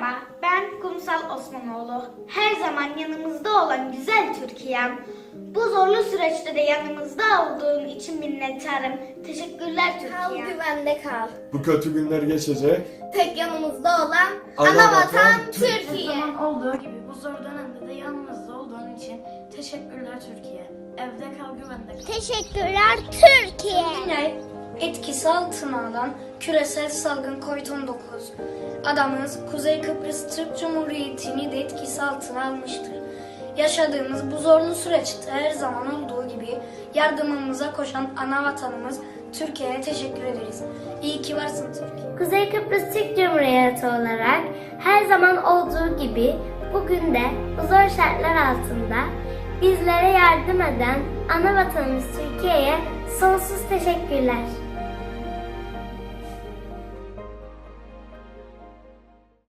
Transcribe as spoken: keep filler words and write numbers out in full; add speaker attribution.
Speaker 1: Merhaba, ben Kumsal Osmanoğlu. Her zaman yanımızda olan güzel Türkiye'm. Bu zorlu süreçte de yanımızda olduğun için minnettarım. Teşekkürler
Speaker 2: Kal
Speaker 1: Türkiye.
Speaker 2: güvende kal.
Speaker 3: Bu kötü günler geçecek.
Speaker 2: Tek yanımızda olan
Speaker 3: Ana
Speaker 2: ana
Speaker 3: vatan
Speaker 2: vatan
Speaker 3: Türkiye.
Speaker 4: Her
Speaker 2: Türkiye.
Speaker 4: zaman olduğu gibi bu zor dönemde de yanımızda olduğun için teşekkürler Türkiye. Evde kal, güvende kal.
Speaker 2: Teşekkürler Türkiye.
Speaker 5: Yine etkisi altına alan küresel salgın kovid on dokuz adamız Kuzey Kıbrıs Türk Cumhuriyeti'ni de etkisi altına almıştır. Yaşadığımız bu zorlu süreçte her zaman olduğu gibi yardımımıza koşan ana vatanımız Türkiye'ye teşekkür ederiz. İyi ki varsın Türkiye.
Speaker 6: Kuzey Kıbrıs Türk Cumhuriyeti olarak her zaman olduğu gibi bugün de bu zor şartlar altında bizlere yardım eden ana vatanımız Türkiye'ye sonsuz teşekkürler.